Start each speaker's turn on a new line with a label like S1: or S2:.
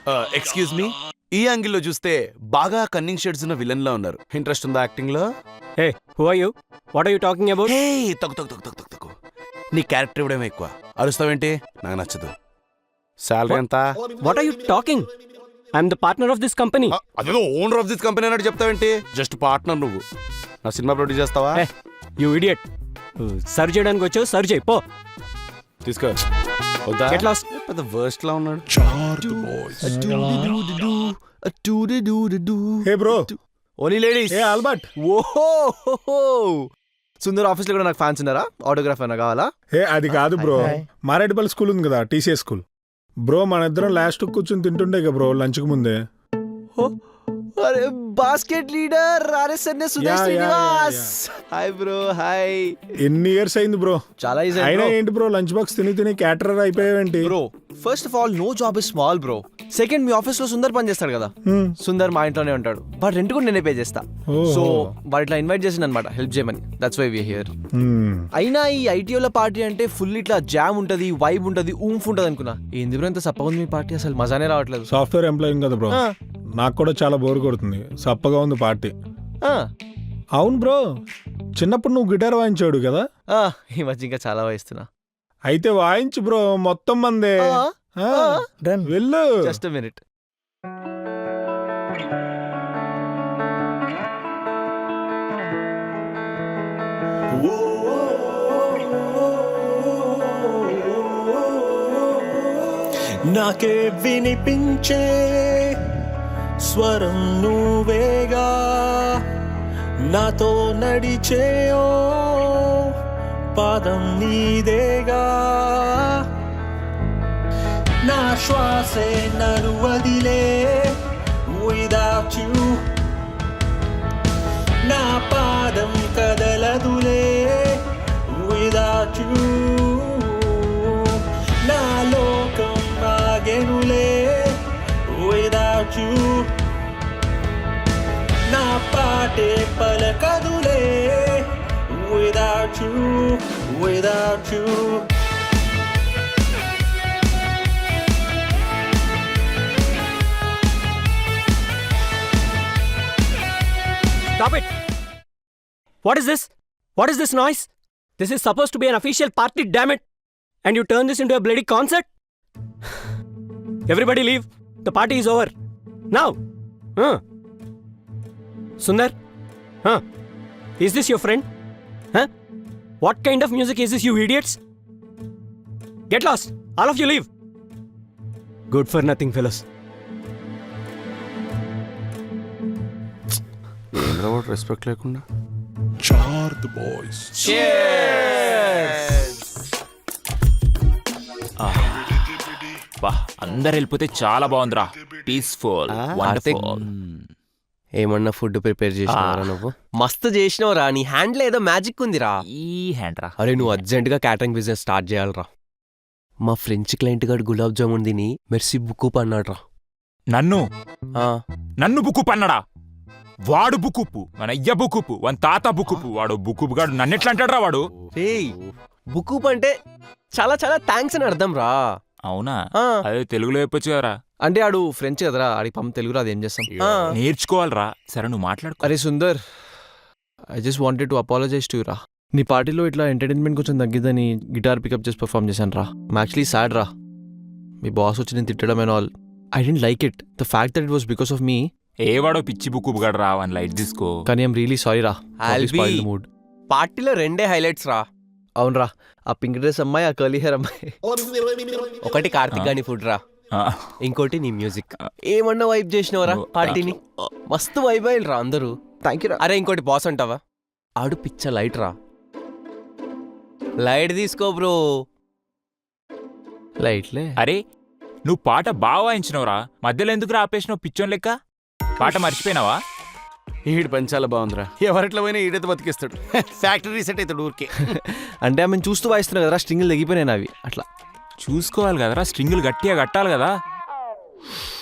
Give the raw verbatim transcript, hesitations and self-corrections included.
S1: Excuse me, ఈ angle లో చూస్తే బాగా కన్నింగ్ షేడ్స్ ఉన్న విలన్ లా ఉన్నారు. ఇంట్రెస్ట్ ఉందా యాక్టింగ్ లో?
S2: Hey who are you? What are you talking about?
S1: Hey తగ్గు తగ్గు తగ్గు తగ్గు తగ్గు. నీ క్యారెక్టర్ ఇవ్వడం ఎక్కువ. అరుస్తావేంటి? నాకు నచ్చదు. శాలరీ ఎంత?
S2: What are you talking? I'm the partner of this company.
S1: అదేదో ఓనర్ ఆఫ్ దిస్ కంపెనీ అన్నట్టు చెప్తావేంటి? జస్ట్ పార్ట్నర్ నువ్వు. నా సినిమా ప్రొడ్యూస్ చేస్తావా?
S2: You idiot. సర్వ్ చేయడానికి వచ్చావు, సర్వ్ చేయి పో.
S1: తీసుకో.
S2: Get lost.
S1: పెద్ద వర్స్ట్ లా ఉన్నాడు.
S3: Hey bro,
S4: only ladies.
S3: ఏ ఆల్బర్ట్.
S4: ఓహో సుందర్ ఆఫీస్ లో కూడా నాకు ఫ్యాన్స్ ఉన్నారా? ఆటోగ్రాఫ్ అయినా కావాలా?
S3: హే అది కాదు బ్రో, మారేడుపల్లి స్కూల్ ఉంది కదా, టీసీఎస్ స్కూల్. బ్రో మన ఇద్దరం లాస్ట్ కూర్చొని తింటుండే కదా బ్రో లంచ్ కు ముందే.
S4: అరే basket leader RSN Suresh Srinivas. Hi bro. Hi.
S3: ఎన్ని ఇయర్స్ అయింది బ్రో?
S4: చాలా ఈజీ.
S3: అయినా ఏంటి బ్రో లంచ్ బాక్స్ తిని తిని క్యాటరర్ అయిపోయావేంటి
S4: bro? First of all no job is small bro. Second, మీ ఆఫీస్ లో సుందర్ పని చేస్తాడు కదా, సుందర్ మా ఇంట్లోనే ఉంటాడు. బట్ రెంట్ కూడా నేనే పే చేస్తా. సో వాడు ఇట్లా ఇన్వైట్ చేసింది అనమాట హెల్ప్ చేయమని. That's why we here. అయినా ఈ ఐటీఓల పార్టీ అంటే ఫుల్ ఇట్లా జామ్ ఉంటది, వైబ్ ఉంటది, ఊంఫ్ ఉంటది అనుకున్నా. ఏంది బ్రో ఇంత సప్పగా ఉంది మీ పార్టీ? అసలు మజానే రావట్లేదు.
S3: సాఫ్ట్వేర్ ఎంప్లాయింగ్ కదా బ్రో, నాకు కూడా చాలా బోర్ కొడుతుంది. సప్పగా ఉంది పార్టీ. అవును బ్రో, చిన్నప్పుడు నువ్వు గిటార్ వాయించాడు కదా?
S4: ఈ మధ్య ఇంకా చాలా వాయిస్తున్నా.
S3: అయితే వాయించు బ్రో, మొత్తం మందే. వెళ్ళు.
S4: Just minute.
S5: నాకే వినిపించే స్వరం నువ్వేగా, నాతో నడిచే ఓ పాదం నీదేగా. నా శ్వాసే నన్ను వదిలే without you, నా పాదం కదలదులే without you. నా లోకం ఆగెనులే without you, నా పాటే పలకదులే without you, without you.
S2: Stop it! What is this? What is this noise? This is supposed to be an official party, damn it! And you turn this into a bloody concert? Everybody leave. The party is over. Now! Huh? Sundar? Huh? Is this your friend? Huh? What kind of music is this, you idiots? Get lost! All of you leave! Good for nothing, fellows.
S1: Respect లేకుండా.
S6: బా అందరు వెళ్ళిపోతే చాలా బాగుందిరా. Peaceful, wonderful.
S4: ఏమన్నా food prepare చేసినావరా నువ్వు? మస్తు చేసినావురా. నీ హ్యాండ్ లో ఏదో మ్యాజిక్ ఉందిరా.
S6: ఈ హ్యాండ్ రా.
S4: అరే నువ్వు అర్జెంట్ గా క్యాటరింగ్ బిజినెస్ స్టార్ట్ చేయాలరా. మా ఫ్రెంచ్ క్లయింట్ గారు గులాబ్ జామున్ తిని మెర్సీ బుక్కు పన్నాడు రా.
S6: నన్ను నన్ను బుక్కు పన్నాడా? వాడు బుక్కుప్పు, మన అయ్య బుక్కుప్పు, వన్ తాత బుక్కుప్పు. వాడు బుక్కుప్పు గాడు నన్ను ఎట్లా అంటాడు వాడు?
S4: బుక్కుప్ అంటే చాలా చాలా థ్యాంక్స్ అని అర్థం రా.
S6: అవునా? అదే తెలుగులో చెప్పొచ్చు కదరా.
S4: అంటే ఆడు ఫ్రెంచ్ కదరా, ఆడి పంప తెలుగు రాదు, ఏం చేస్తాం?
S6: నేర్చుకోవాలరా. సరే నువ్వు మాట్లాడుకో.
S4: అరే Sundar, I just wanted to apologise to రా. నీ పార్టీలో ఇట్లా ఎంటర్టైన్మెంట్ కొంచెం తగ్గిద్దని గిటార్ పికప్ చేసి పర్ఫామ్ చేశాను రా. యాక్చువల్లీ సాడ్ రా. మీ బాస్ వచ్చి నేను తిట్టడం and all. I didn't like it. The fact that it was because of me.
S6: ఏ వాడో పిచ్చి బుక్కు గడు రా, వన్ లైట్ తీసుకో.
S4: కానీ ఐమ్ రియలీ సారీ రా. మూడ్ పార్టీలో రెండే హైలైట్స్ రా. అవునరా, ఆ పింక్ డ్రెస్ అమ్మాయి, ఆ కర్లీ హెయిర్ అమ్మాయి. ఒకటి కార్తిక్ గాని ఫుడ్ రా, ఇంకోటి నీ మ్యూజిక్. ఏమన్నా వైబ్ చేసినవరా పార్టీని? మస్తు వైబ్ అయ్యారు రా అందరూ. థ్యాంక్ యూ రా. అరే ఇంకోటి బాస్ అంటావా? ఆడు పిచ్చ లైట్ రా. లైట్ తీసుకో బ్రో. లైట్లే.
S6: అరే నువ్వు పాట బాగా వాయించినవురా, మధ్యలో ఎందుకు ఆపేసినావు పిచ్చోన్ లెక్క? పాట మర్చిపోయినావా?
S1: ఈడు పని చాలా బాగుందిరా. ఎవరిట్లో పోయినా ఈడైతే బతికిస్తాడు. ఫ్యాక్టరీ సెట్ అవుతాడు ఊరికే.
S4: అంటే ఆమె చూస్తూ వాయిస్తున్నావు కదరా, స్ట్రింగులు తెగిపోయినాయి అవి. అట్లా
S6: చూసుకోవాలి కదరా, స్ట్రింగులు గట్టిగా కట్టాలి కదా.